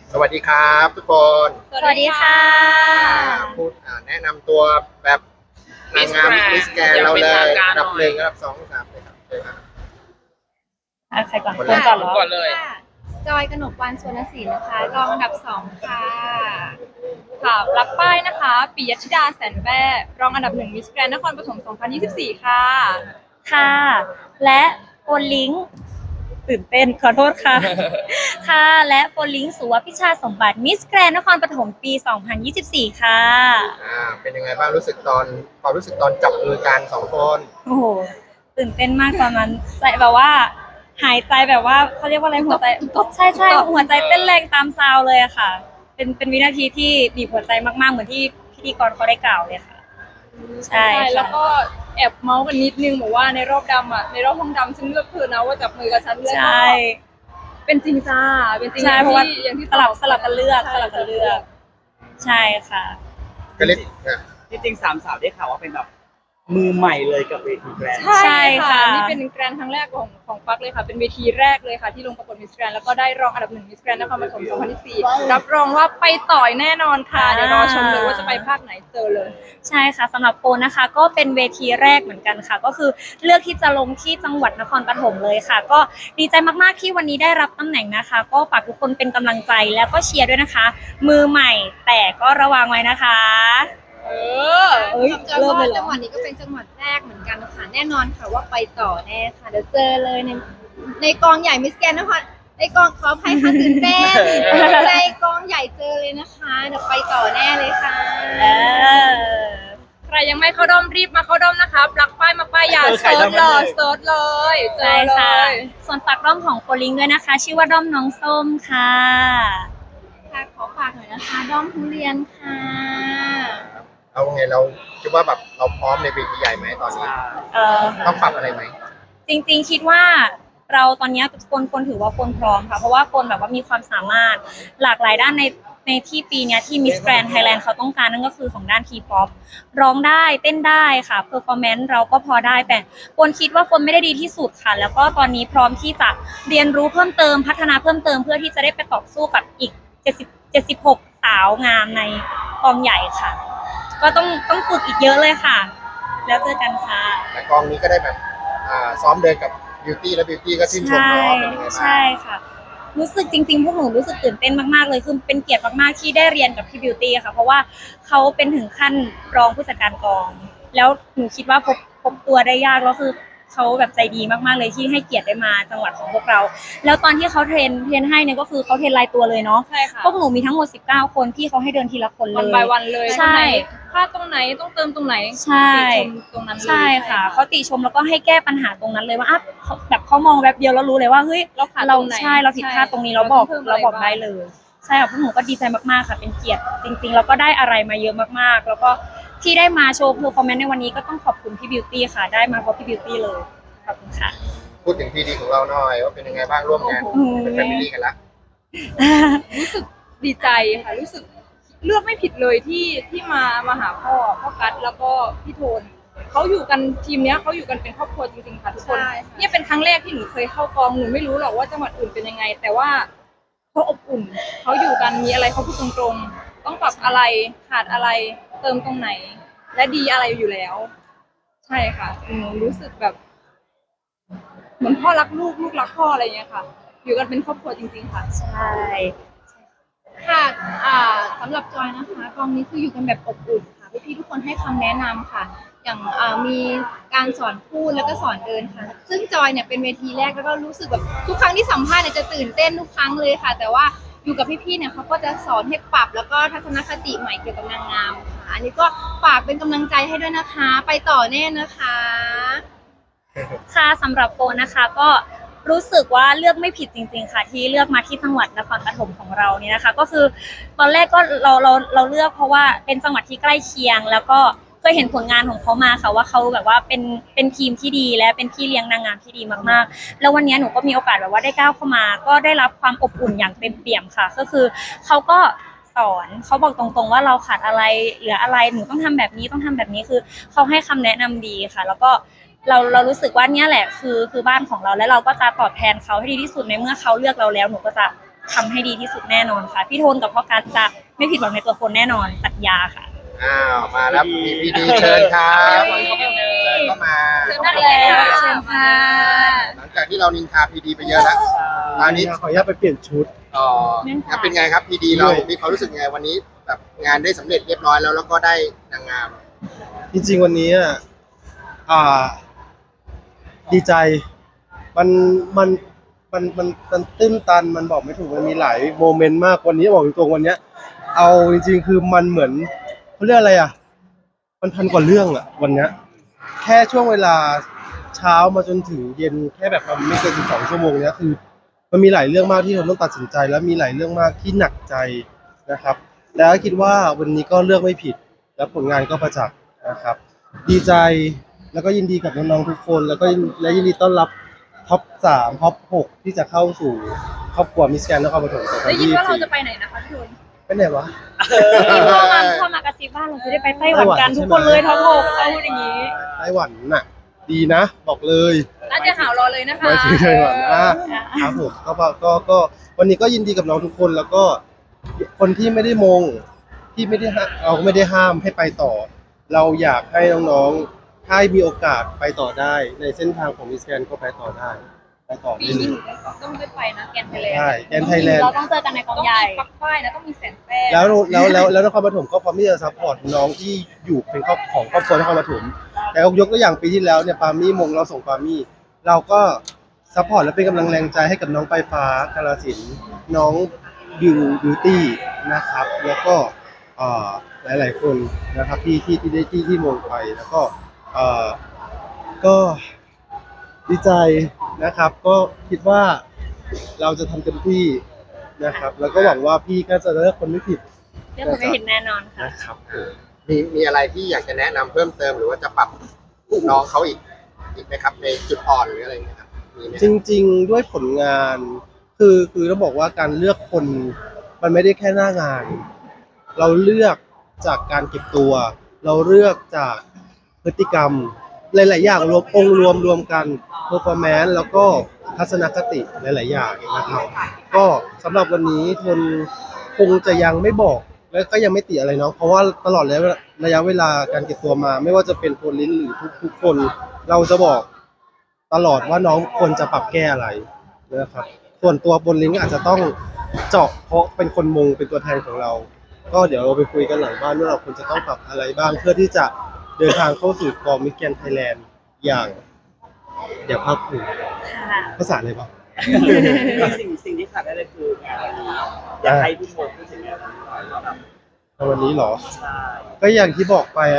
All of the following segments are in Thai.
สวัสดีครับทุกคนสวัสดีค่ะพูดแนะนำตัวแบบนางงามมิสแกนเราเลยอันดับหนึ่งอันดับสองอันดับสามเลยครับเชิญครับใครก่อนคนคแรนกก่อนเหรอก่อนเลยค่ะจอยกนกวรรณสวนศิลป์นะคะรองอันดับ2ค่ะค่ะรับป้ายนะคะปิยธิดาแสนแว่รองอันดับ1มิสแกรนนครปฐม2024ค่ะค่ะ และโฟนลิงตื่นเต้นขอโทษค่ะ ค่ะและโฟนลิงสุวพิชาสมบัติมิสแกรนนครปฐมปี2024ค่ะเป็นยังไงบ้างรู้สึกตอนความรู้สึกตอนจับมือกันสองคนโอ้โหตื่นเต้นมากตอนนั้นใจแบบว่าหายใจแบบว่าเขาเรียกว่าอะไรหัวใจใช่ใช่หัวใจเต้นแรงตามซาวเลยอะค่ะเป็นวินาทีที่บีบหัวใจมากๆเหมือนที่พิธีกรเขาได้กล่าวเลยค่ะใช่แล้วก็แอบเมาส์กันนิดนึงบอกว่าในรอบดำอ่ะในรอบห้องดำฉันเลือกเธอนะว่าจับมือกับฉันเลือกใช่เป็นจริงจ้าเป็นจริงใช่เพราะว่าอย่างที่สลับกันเลือกใช่ค่ะก็เล็กจริงๆสามสาวได้ข่าวว่าเป็นแบบมือใหม่เลยกับเวทีแกรนด์ใช่ค่ะนี่เป็นแกรนด์ครั้งแรกของปักเลยค่ะเป็นเวทีแรกเลยค่ะที่ลงประกวดมิสแกรนด์แล้วก็ได้รองอันดับ1มิสแกรนด์นครปฐม2024รับรองว่าไปต่อยแน่นอนค่ะเดี๋ยวรอชมเลยว่าจะไปภาคไหนเจอเลยใช่ค่ะสำหรับโปนะคะก็เป็นเวทีแรกเหมือนกันค่ะก็คือเลือกที่จะลงที่จังหวัดนครปฐมเลยค่ะก็ดีใจมากๆที่วันนี้ได้รับตำแหน่งนะคะก็ฝากทุกคนเป็นกำลังใจแล้วก็เชียร์ด้วยนะคะมือใหม่แต่ก็ระวังไว้นะคะจอยว่าจังหวัดนี้ก็เป็นจังหวัดแรกเหมือนกันค่ะแน่นอนค่ะว่าไปต่อแน่ค่ะเดี๋ยวเจอเลยในกองใหญ่มิสแกรนด์นครในกองขออภัยค่ะตื่นเต้นในกองใหญ่เจอเลยนะคะเดี๋ยวไปต่อแน่เลยค่ะใครยังไม่เข้าด้อมรีบมาเข้าด้อมนะคะปลักป้ายมาป้ายยาเซิร์ชเลยเซิร์ชเลยเจอเลยส่วนฝากด้อมของโคลิงด้วยนะคะชื่อว่าด้อมน้องส้มค่ะค่ะขอฝากหน่อยนะคะด้อมทุเรียนค่ะเอาไงเราคิดว่าแบบเราพร้อมในเวทีใหญ่ไหมตอนนี้ต้องปรับอะไรไหมจริงๆคิดว่าเราตอนนี้คนถือว่าคนพร้อมค่ะเพราะว่าคนแบบว่ามีความสามารถหลากหลายด้านในที่ปีนี้ที่ Miss Grand Thailand เขาต้องการนั่นก็คือของด้าน T-pop ร้องได้เต้นได้ค่ะ performance เราก็พอได้แต่คนคิดว่าคนไม่ได้ดีที่สุดค่ะแล้วก็ตอนนี้พร้อมที่จะเรียนรู้เพิ่มเติมพัฒนาเพิ่มเติมเพื่อที่จะได้ไปต่อสู้กับอีก76สาวงามในกองใหญ่ค่ะก็ต้องฝึกอีกเยอะเลยค่ะแล้วเจอกันค่ะแต่กองนี้ก็ได้แบบซ้อมเดินกับบิวตี้และบิวตี้ก็ชื่นชมน้องเป็นยังไงบ้างใช่ค่ะรู้สึกจริงๆพวกหนูรู้สึกตื่นเต้นมากๆเลยคือเป็นเกียรติมากๆที่ได้เรียนกับพี่บิวตี้ค่ะเพราะว่าเขาเป็นถึงขั้นรองผู้จัดการกองแล้วหนูคิดว่าพบตัวได้ยากแล้วคือเขาแบบใจดีมากๆเลยที่ให้เกียรติได้มาจังหวัดของพวกเราแล้วตอนที่เขาเทรนให้เนี่ยก็คือเขาเทรนรายตัวเลยเนาะใช่ค่ะพวกหนูมีทั้งหมด19คนพี่เขาให้เดินทีละคนเลยวัน by วันเลยใช่พลาดตรงไหนต้องเติมตรงไหนใช่ตรงนั้นเลยใช่ค่ะเขาติชมแล้วก็ให้แก้ปัญหาตรงนั้นเลยว่าแบบเขามองแบบเดียวแล้วรู้เลยว่าเฮ้ยเราใช่เราผิดพลาดตรงนี้เราบอกได้เลยใช่ค่ะพวกหนูก็ดีใจมากๆค่ะเป็นเกียรติจริงๆแล้วก็ได้อะไรมาเยอะมากๆแล้วก็ที่ได้มาโชว์เพอร์ฟอร์แมนซ์ในวันนี้ก็ต้องขอบคุณพี่บิวตี้ค่ะได้มาเพราะพี่บิวตี้เลยขอบคุณค่ะพูดถึงพีดีของเราหน่อยว่าเป็นยังไงบ้างร่วมงานเป็นแฟมิลี่กันละรู้สึกดีใจค่ะรู้สึกเลือกไม่ผิดเลยที่มาหาพ่อกัดแล้วก็พี่โทนเขาอยู่กันทีมเนี้ยเขาอยู่กันเป็นครอบครัวจริงๆค่ะทุกคนเนี่ยเป็นครั้งแรกที่หนูเคยเข้ากองหนูไม่รู้หรอกว่าจังหวัดอื่นเป็นยังไงแต่ว่าเขาอบอุ่นเขาอยู่กันมีอะไรเขาพูดตรงๆต้องปรับอะไรขาดอะไรเติมตรงไหนและดีอะไรอยู่แล้วใช่ค่ะหนูรู้สึกแบบเหมือนพ่อรักลูกรักพ่ออะไรอย่างเงี้ยค่ะอยู่กันเป็นครอบครัวจริงๆค่ะใช่ค่ะสำหรับจอยนะคะกองนี้คืออยู่กันแบบอบอุ่นค่ะพี่ๆทุกคนให้คำแนะนำค่ะอย่างมีการสอนพูดแล้วก็สอนเดินค่ะซึ่งจอยเนี่ยเป็นเวทีแรกแล้วก็รู้สึกแบบทุกครั้งที่สัมภาษณ์เนี่ยจะตื่นเต้นทุกครั้งเลยค่ะแต่ว่าอยู่กับพี่ๆเนี่ยเขาก็จะสอนให้ปรับแล้วก็ทัศนคติใหม่เกี่ยวกับนางงามค่ะอันนี้ก็ฝากเป็นกำลังใจให้ด้วยนะคะไปต่อแน่นะคะค่ะสำหรับโปนะคะก็รู้สึกว่าเลือกไม่ผิดจริงๆค่ะที่เลือกมาที่จังหวัดนครปฐมของเราเนี่ยนะคะก็คือตอนแรกก็เราเลือกเพราะว่าเป็นจังหวัดที่ใกล้เคียงแล้วก็เคยเห็นผลงานของเขามาค่ะว่าเขาแบบว่าเป็นทีมที่ดีและเป็นพี่เลี้ยงนางงามที่ดีมากๆแล้ววันนี้หนูก็มีโอกาสแบบว่าได้ก้าวเข้ามาก็ได้รับความอบอุ่นอย่างเต็มเปี่ยมค่ะก็คือเขาก็สอนเขาบอกตรงๆว่าเราขาดอะไรเหลืออะไรหนูต้องทำแบบนี้ต้องทำแบบนี้คือเขาให้คำแนะนำดีค่ะแล้วก็เรารู้สึกว่าเนี่ยแหละคือบ้านของเราและเราก็จะตอบแทนเขาให้ดีที่สุดในเมื่อเขาเลือกเราแล้วหนูก็จะทำให้ดีที่สุดแน่นอนค่ะพี่โทนกับพ่อการจะไม่ผิดหวังในตัวคนแน่นอนสัญญาค่ะอ้าวมาแล้วพีดีเชิญครับเชิญเข้ามาเชิญแล้วเชิญค่ะหลังจากที่เรานินทาพีดีไปเยอะแล้วตอนนี้ขออนุญาตไปเปลี่ยนชุดอ๋อเป็นไงครับพีดีเรามีความรู้สึกไงวันนี้แบบงานได้สำเร็จเรียบร้อยแล้วก็ได้นางงามจริงๆวันนี้อ่าดีใจมันมันมันตื้นตันมันบอกไม่ถูกมันมีหลายโมเมนต์มากวันนี้บอกตรงๆวันเนี้ยเอาจริงๆคือมันเหมือนเขาเรียกอะไรมันพันกว่าเรื่องวันเนี้ยแค่ช่วงเวลาเช้ามาจนถึงเย็นแค่แบบมันไม่เกิน12 ชั่วโมงเนี้ยคือมันมีหลายเรื่องมากที่เราต้องตัดสินใจแล้วมีหลายเรื่องมากที่หนักใจนะครับ แล้วคิดว่าวันนี้ก็เลือกไม่ผิดและผลงานก็ประจักษ์นะครับ ดีใจแล้วก็ยินดีกับน้องๆทุกคนแล้วก็ยินดีต้อนรับท็อป3ท็อป6ที่จะเข้าสู่ครอบครัวมิสแกรนด์นครปฐม2024 ได้ยินว่าเราจะไปไหนนะคะพี่โทนไปไหนวะพ่อมากระซิบว่าเราจะได้ไปไต้หวันกันทุกคนเลยทั้งหกเขาพูดอย่างนี้ไต้หวันน่ะ ดีนะบอกเลยน่าจะหาวรอเลยนะคะไปถึงไต้หวันครับผมก็วันนี้ก็ยินดีกับน้องทุกคนแล้วก็คนที่ไม่ได้มงที่ไม่ได้เราก็ไม่ได้ห้ามให้ไปต่อ เราอยากให้น้องๆถ้ามีโอกาสไปต่อได้ในเส้นทางของมิสแกรนด์ก็ไปต่อได้ไปต่อปีได้เลนี้ยหนูต้องได้ไปนะแกนไทยแลนด์ใช่แกนไทยแลนด์เราต้องเจอกันในกองใหญ่ปักป้ายนะต้องมีแสนแป้งแล้วนครปฐมก็พร้อมที่จะซัพพอร์ตน้องที่อยู่เป็นครอบของครอบครัวนครปฐมแต่ยกตัวอย่างปีที่แล้วเนี่ยปามี่มงเราส่งปามี่เราก็ซัพพอร์ตและเป็นกำลังแรงใจให้กับน้องปลายฟ้ากาฬสินธุ์น้องบิวตี้นะครับ แล้วก็หลายๆคนนะครับที่ได้ที่มงไปแล้วก็ก็ดีใจนะครับ ก็คิดว่าเราจะทำเต็มที่นะครับ แล้วก็หวังว่าพี่ก็จะเลือกคนไม่ผิดเรื่องผมไม่ผิดแน่นอนค่ะนะครับมีอะไรที่อยากจะแนะนำเพิ่มเติมหรือว่าจะปรับน้องเขาอีกไหมครับในจุดอ่อนหรืออะไรอย่างเงี้ยครับมีไหมจริงๆด้วยผลงานคือต้องบอกว่าการเลือกคนมันไม่ได้แค่หน้างาน เราเลือกจากการเก็บตัว เราเลือกจากพฤติกรรมหลายๆอย่างรวมองค์รวมกัน performance แล้วก็ทัศนคติหลายๆอย่างนะครับ ก็สำหรับวันนี้ทนคงจะยังไม่บอกและก็ยังไม่ติอะไรเนาะเพราะว่าตลอดระยะเวลาการเก็บตัวมา ไม่ว่าจะเป็นโฟนลิ้นหรือทุกคน เราจะบอกตลอดว่าน้องควรจะปรับแก้อะไรนะครับส่วนตัวบนลิ้นอาจจะต้องเจาะเพราะเป็นคนมงเป็นตัวแทนของเรา ก็เดี๋ยวเราไปคุยกันหลังบ้านว่าเราควรจะต้องปรับอะไรบ้าง เพื่อที่จะเดินทางเข้าสู่กองมิสแกรนด์ไทยแลนด์อย่างเดี๋ยวภาคภูมิค่ะภาษาอะไรบ้างสิ่งที่ขาดได้เลยคืองานวันนี้อยากให้พี่โมพูดถึงงานวันนี้หน่อยว่าแบบวันนี้เหรอใช่ก็อย่างที่บอกไป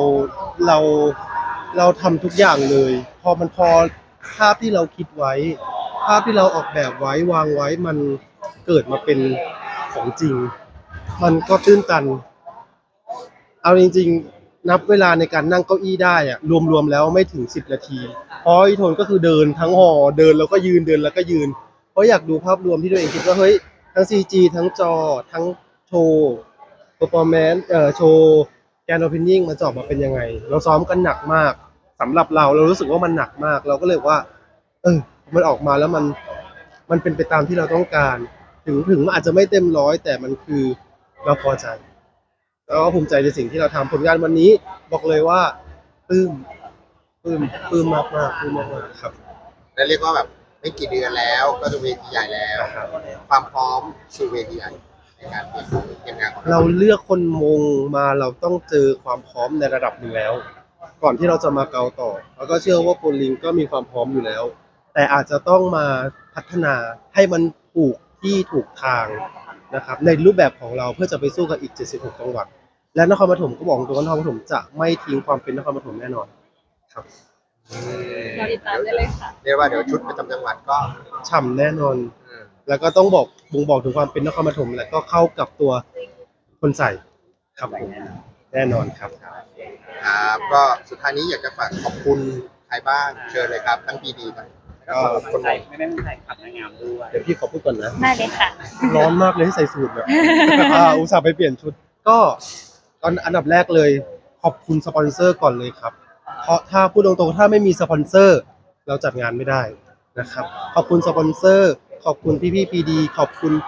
เราทำทุกอย่างเลย พอภาพที่เราคิดไว้ ภาพที่เราออกแบบไว้วางไว้มันเกิดมาเป็นของจริง มันก็ตื้นตัน เอาจริงๆ นับเวลาในการนั่งเก้าอี้ได้อะรวมๆแล้วไม่ถึง10 นาที เพราะอีโทนก็คือเดินทั้งหอเดินแล้วก็ยืนเดินแล้วก็ยืน เพราะอยากดูภาพรวมที่ตัวเองคิดว่าเฮ้ยทั้ง CG ทั้งจอทั้งโชว์ performance โชว์แกนโอเพนนิ่งมันจะออกมาเป็นยังไง เราซ้อมกันหนักมากสำหรับเรารู้สึกว่ามันหนักมาก เราก็เลยว่า มันออกมาแล้วมันเป็นไปตามที่เราต้องการ ถึงมันอาจจะไม่เต็มร้อยแต่มันคือเราพอใจ แล้วก็ภูมิใจในสิ่งที่เราทำผลงานวันนี้บอกเลยว่าปลื้มมากครับและเรียกว่าแบบไม่กี่เดือนแล้วก็จะเวทีใหญ่แล้ว ความพร้อมสู่เวทีใหญ่ในการเตรียมงานของเราเลือกคนมงมาเราต้องเจอความพร้อมในระดับหนึ่งแล้ว ก่อนที่เราจะมาเกาต่อแล้วก็เชื่อว่าโปรลิงก็มีความพร้อมอยู่แล้ว แต่อาจจะต้องมาพัฒนาให้มันถูกที่ถูกทางนะครับในรูปแบบของเราเพื่อจะไปสู้กับอีก76จังหวัดและนครปฐมก็บอกตรงว่านครปฐมจะไม่ทิ้งความเป็นนครปฐมแน่นอนครับเราติดตามได้เลยค่ะเรียกว่าเดี๋ยวชุดประจำจังหวัดก็ฉ่ำแน่นอนอืมแล้วก็ต้องบ่งบอกถึงความเป็นนครปฐมและก็เข้ากับตัวคนใส่ครับผมแน่นอนครับครับก็สุดท้ายนี้อยากจะฝากขอบคุณใครบ้างเชิญเลยครับทั้งพีดีทั้งแล้วก็ขอบคุณใจไม่เป็นไรขับนางงามด้วยเดี๋ยวพี่ขอพูดก่อนนะได้เลยค่ะร้อนมากเลยที่ใส่สูทเนี่ย อุตส่าห์ไปเปลี่ยนชุด ก็ตอนอันดับแรกเลย ขอบคุณสปอนเซอร์ก่อนเลยครับ เพราะถ้าพูดตรงๆถ้าไม่มีสปอนเซอร์เราจัดงานไม่ได้นะครับ ขอบคุณสปอนเซอร์ ขอบคุณพี่พีดีขอบคุณ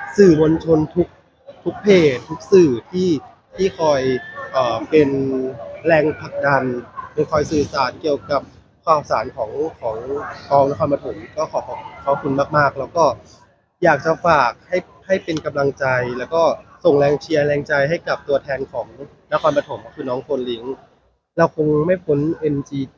สื่อมวลชนทุกเพจทุกสื่อที่คอยเป็นแรงผลักดันเป็นคอยสื่อสารเกี่ยวกับข่าวสารของกองนครปฐมก็ขอบคุณมากๆ แล้วก็อยากจะฝากให้เป็นกำลังใจแล้วก็ส่งแรงเชียร์แรงใจให้กับตัวแทนของนครปฐมก็คือน้องโฟนลิงเราคงไม่พ้น MGT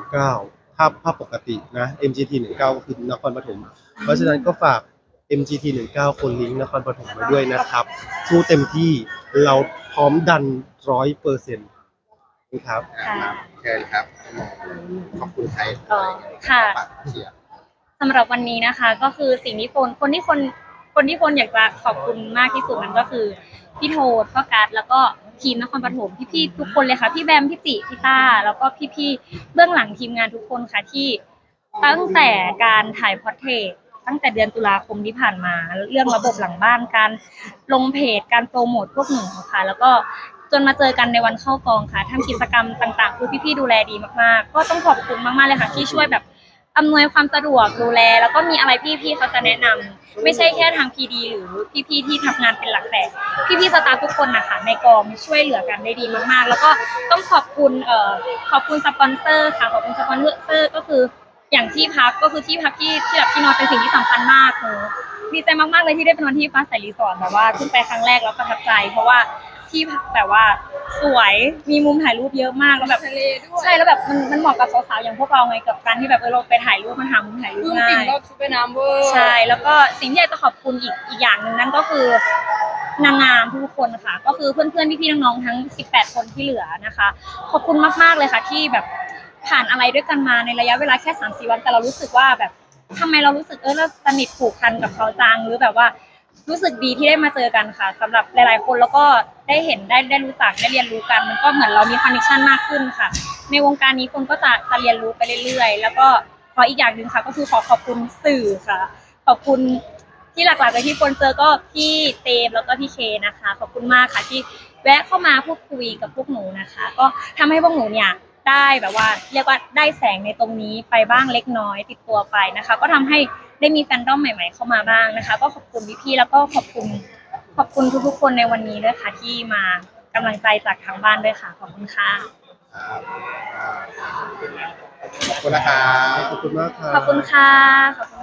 19ถ้าปกตินะ MGT 19ก็คือนครปฐมเพราะฉะนั้นก็ฝาก MGT 19คนลิงก์นครปฐมมาด้วยนะครับสู้เต็มที่เราพร้อมดัน 100%นะครับค่ะเชิญครับขอบคุณใครค่ะฝากเชียร์สำหรับวันนี้นะคะก็คือสิ่งที่คนที่อยากจะขอบคุณมากที่สุดมันก็คือพี่โทษพ่อการ์ดแล้วก็ทีมนครปฐมพี่ๆทุกคนเลยค่ะพี่แบมพี่จิพี่ต้าแล้วก็พี่ๆเบื้องหลังทีมงานทุกคนค่ะที่ตั้งแต่การถ่ายพอร์เทรตตั้งแต่เดือนตุลาคมที่ผ่านมาเรื่องระบบหลังบ้านการลงเพจการโปรโมทพวกหนูค่ะแล้วก็จนมาเจอกันในวันเข้ากองค่ะทำกิจกรรมต่างๆคือพี่ๆดูแลดีมากๆก็ต้องขอบคุณมากๆเลยค่ะที่ช่วยแบบอำนวยความสะดวกดูแลแล้วก็มีอะไรพี่ๆเขาจะแนะนำไม่ใช่แค่ทางพีดีหรือพี่ๆที่ทำงานเป็นหลักแต่พี่ๆสตาฟทุกคนนะคะในกองช่วยเหลือกันได้ดีมากๆแล้วก็ต้องขอบคุณสปอนเซอร์ค่ะขอบคุณสปอนเซอร์ก็คืออย่างที่พักก็คือที่พักที่แบบที่นอนเป็นสิ่งที่สำคัญมากดีใจมากๆเลยที่ได้ไปนอนที่ฟ้าใสรีสอร์ทแบบว่าขึ้นไปครั้งแรกแล้วประทับใจเพราะว่าที่พักแบบว่าสวยมีมุมถ่ายรูปเยอะมากแล้วแบบทะเลด้วยใช่แล้วแบบมันเหมาะกับสาวๆอย่างพวกเราไงกับการที่แบบเราไปถ่ายรูปมันหามุมถ่ายรูปลูกง่าปิ่งยรอบชุดว่ายน้ำเวอร์ใช่แล้วก็สิ่งที่อยากจะขอบคุณอีกอย่างหนึ่งนั่นก็คือนางงามทุกคนค่ะก็คือเพื่อนๆพี่ๆน้องๆทั้ง18คนที่เหลือนะคะขอบคุณมากๆเลยค่ะที่แบบผ่านอะไรด้วยกันมาในระยะเวลาแค่3-4 วันแต่เรารู้สึกว่าแบบทำไมเรารู้สึกเราสนิทผูกพันกับเขาจังหรือแบบว่ารู้สึกดีที่ได้มาเจอกันค่ะสำหรับหลายๆคนแล้วก็ได้เห็นได้รู้จักได้เรียนรู้กันมันก็เหมือนเรามีคอนเนคชั่นมากขึ้นค่ะในวงการนี้คนก็จะเรียนรู้ไปเรื่อยๆแล้วก็ขออีกอย่างหนึ่งค่ะก็คือขอบคุณสื่อค่ะขอบคุณที่หลักๆเลยที่คนเจอก็พี่เจมแล้วก็พี่เคนะคะขอบคุณมากค่ะที่แวะเข้ามาพูดคุยกับพวกหนูนะคะก็ทำให้พวกหนูเนี่ยได้แบบว่าเรียกว่าได้แสงในตรงนี้ไปบ้างเล็กน้อยติดตัวไปนะคะก็ทำให้ได้มีแฟนดอมใหม่ๆเข้ามาบ้างนะคะก็ขอบคุณพี่ๆแล้วก็ขอบคุณทุกๆคนในวันนี้ด้วยค่ะที่มากำลังใจจากทางบ้านด้วยค่ะขอบคุณค่ะขอบคุณนะครับขอบคุณมากครับขอบคุณค่ะขอบคุณ